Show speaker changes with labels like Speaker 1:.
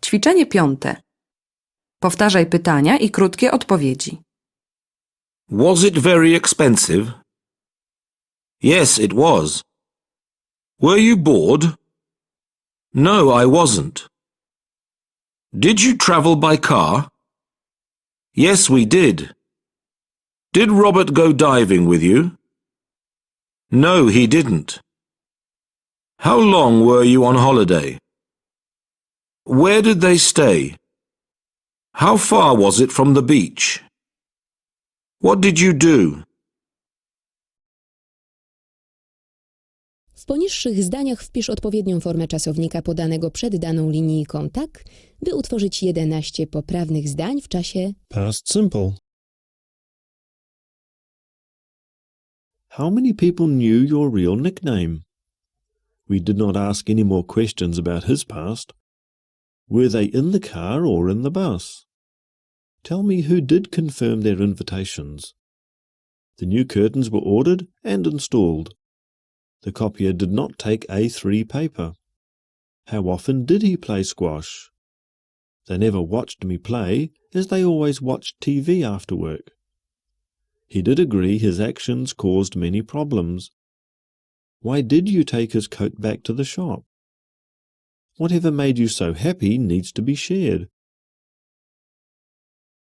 Speaker 1: Ćwiczenie 5. Powtarzaj pytania i krótkie odpowiedzi.
Speaker 2: Was it very expensive? Yes, it was. Were you bored? No, I wasn't. Did you travel by car? Yes, we did. Did Robert go diving with you? No, he didn't. How long were you on holiday? Where did they stay? How far was it from the beach? What did you do?
Speaker 3: W poniższych zdaniach wpisz odpowiednią formę czasownika podanego przed daną linijką tak, by utworzyć 11 poprawnych zdań w czasie
Speaker 4: Past simple. How many people knew your real nickname? We did not ask any more questions about his past. Were they in the car or in the bus? Tell me who did confirm their invitations. The new curtains were ordered and installed. The copier did not take A3 paper. How often did he play squash? They never watched me play, as they always watched TV after work. He did agree his actions caused many problems. Why did you take his coat back to the shop? Whatever made you so happy needs to be shared.